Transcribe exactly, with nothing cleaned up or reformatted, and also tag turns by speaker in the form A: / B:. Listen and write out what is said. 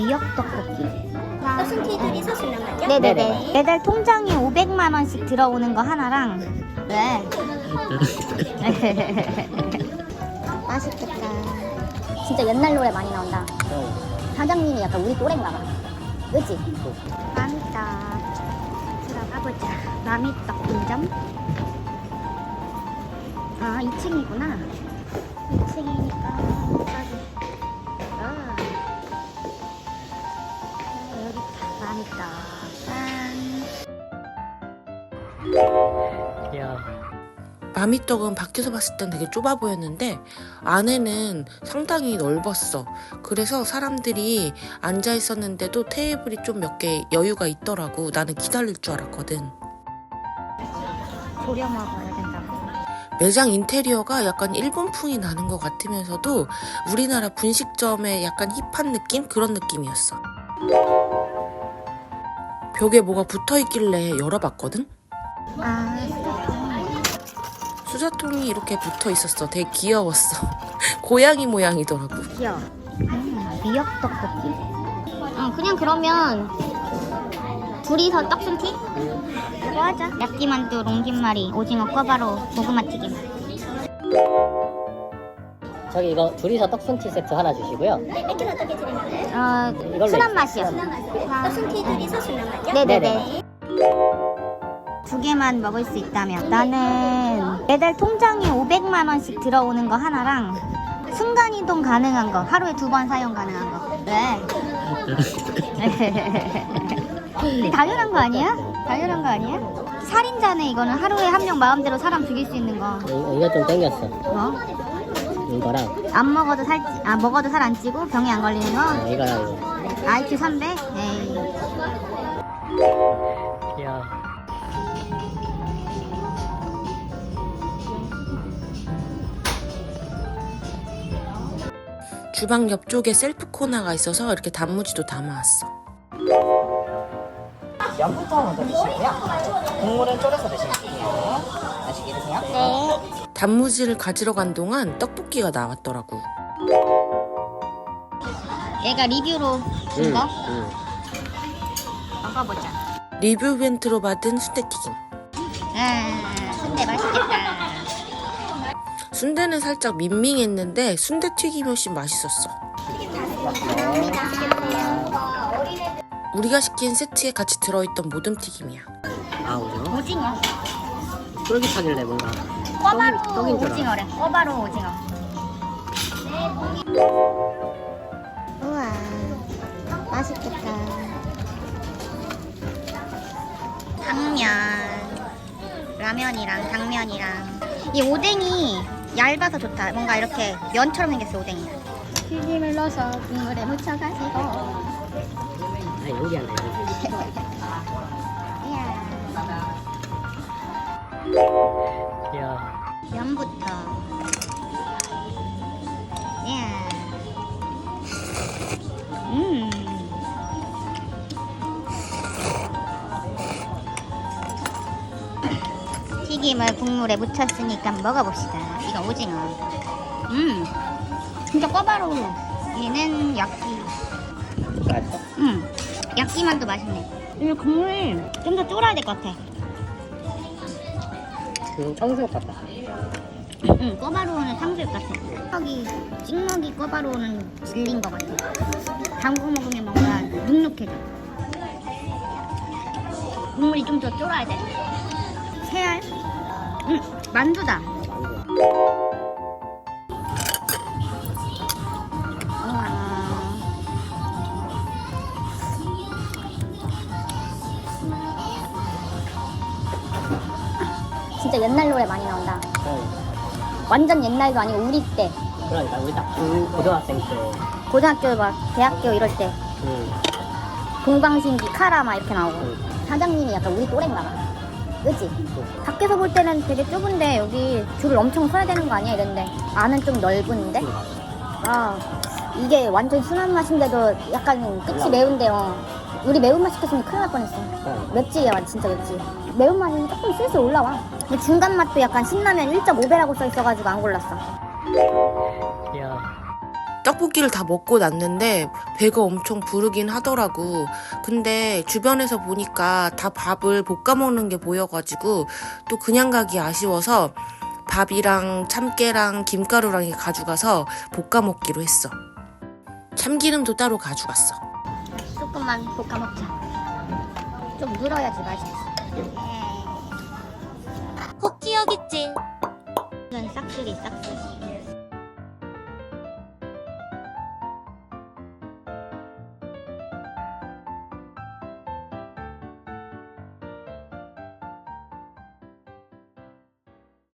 A: 미역 떡볶이.
B: 떡순티들이 서술 남았죠?
A: 네네네. 매달 통장에 오백만 원씩 들어오는 거 하나랑. 네.
B: 맛있겠다. 진짜 옛날 노래 많이 나온다. 사장님이 약간 우리 또래인가 봐. 그치?
A: 마미떡 들어가 보자. 마미떡 분점. 아, 이 층이구나. 이 층이니까 아. 여기 있다. 마미떡. 짠.
C: 야.
D: 마미떡은 밖에서 봤을 땐 되게 좁아 보였는데 안에는 상당히 넓었어. 그래서 사람들이 앉아 있었는데도 테이블이 좀 몇 개 여유가 있더라고. 나는 기다릴 줄 알았거든.
A: 졸여 먹어야 된다고.
D: 매장 인테리어가 약간 일본풍이 나는 것 같으면서도 우리나라 분식점의 약간 힙한 느낌? 그런 느낌이었어. 벽에 뭐가 붙어있길래 열어봤거든?
A: 아,
D: 수저통이 이렇게 붙어 있었어. 되게 귀여웠어. 고양이 모양이더라고.
A: 귀여워. 음, 미역 떡볶이. 어, 그냥 그러면 둘이서 떡순티? 그거 하자. 야끼만두, 롱김말이, 오징어 꿔바로, 고구마 튀김.
C: 저기 이거 둘이서 떡순티 세트 하나 주시고요.
B: 네, 맥주 어떻게 드리나요?
A: 어,
C: 이걸로
A: 순한 맛이요.
B: 떡순티들이 서술 남았죠?
A: 네네네. 두 개만 먹을 수 있다면 나는 매달 통장에 오백만 원씩 들어오는 거 하나랑 순간이동 가능한 거, 하루에 두 번 사용 가능한 거. 네. 당연한 거 아니야? 당연한 거 아니야? 살인자네. 이거는 하루에 한 명 마음대로 사람 죽일 수 있는 거.
C: 이- 이거 좀 땡겼어.
A: 뭐?
C: 이거랑
A: 안 먹어도 살, 아 먹어도 살 안 찌고 병이 안 걸리는 거.
C: 어, 이거랑 이거.
A: 아이큐 삼백? 에이.
C: 야.
D: 주방 옆쪽에 셀프 코너가 있어서 이렇게 단무지도 담아왔어.
E: 면부터 먼저 드시고요. 국물은 졸여서 드실게요. 맛있게 드세요.
A: 네.
D: 단무지를 가지러 간 동안 떡볶이가 나왔더라고.
A: 얘가 리뷰로 준 거?
C: 응.
A: 먹어보자.
D: 리뷰 이벤트로 받은 순대튀김.
A: 아, 순대 맛있겠다.
D: 순대는 살짝 밍밍했는데 순대튀김이 훨씬 맛있었어. 우리가 시킨 세트에 같이 들어있던 모듬튀김이야.
C: 아, 오징어?
A: 오징어.
C: 쫄깃하길래 뭔가.
A: 꿔바로
C: 떡인- 떡인 줄 알아.
A: 오징어래. 꿔바로 오징어. 우와, 맛있겠다. 당면, 라면이랑 당면이랑 이 오뎅이 얇아서 좋다. 뭔가 이렇게 면처럼 생겼어, 오뎅이. 튀김을 넣어서 국물에 묻혀가지고.
C: 아, 연기한다, 연기.
A: 이야.
C: 야.
A: 면부터. 이야. 음. 튀김을 국물에 묻혔으니까 먹어봅시다. 이거 오징어. 음. 진짜 꿔바로우. 얘는 야끼.
C: 맛있어?
A: 음. 야끼만도 맛있네. 이 국물이 좀 더 쫄아야 될 것 같아.
C: 음, 청수육 같다.
A: 응, 꿔바로우는 탕수육 같아. 찍먹이, 찍먹이 꿔바로우는 질린 것 같아. 담궈 먹으면 뭔가 눅눅해져. 국물이 좀 더 쫄아야 돼. 새알? 응, 만두다. 우와.
B: 진짜 옛날 노래 많이 나온다.
C: 어.
B: 완전 옛날도 아니고 우리 때.
C: 그러니까 우리 딱 중- 고등학생 때.
B: 고등학교 막 대학교 이럴 때
C: 응.
B: 동방신기 카라 막 이렇게 나오고.
C: 응.
B: 사장님이 약간 우리 또래인가 봐. 그치? 밖에서 볼 때는 되게 좁은데 여기 줄을 엄청 서야 되는 거 아니야? 이랬는데 안은 좀 넓은데? 아, 이게 완전 순한 맛인데도 약간 끝이 매운데요. 우리 매운맛 시켰으면 큰일 날 뻔했어.
C: 어.
B: 맵지, 얘 진짜 맵지. 매운맛이 조금 슬슬 올라와. 근데 중간 맛도 약간 신라면 일 점 오 배라고 써 있어가지고 안 골랐어.
C: 야.
D: 떡볶이를 다 먹고 났는데 배가 엄청 부르긴 하더라고. 근데 주변에서 보니까 다 밥을 볶아 먹는 게 보여가지고 또 그냥 가기 아쉬워서 밥이랑 참깨랑 김가루랑 가져가서 볶아 먹기로 했어. 참기름도 따로 가져갔어.
B: 조금만 볶아 먹자. 좀 물어야지 맛있어.
A: 혹 기억있지? 이건 싹쓸이 싹쓸이.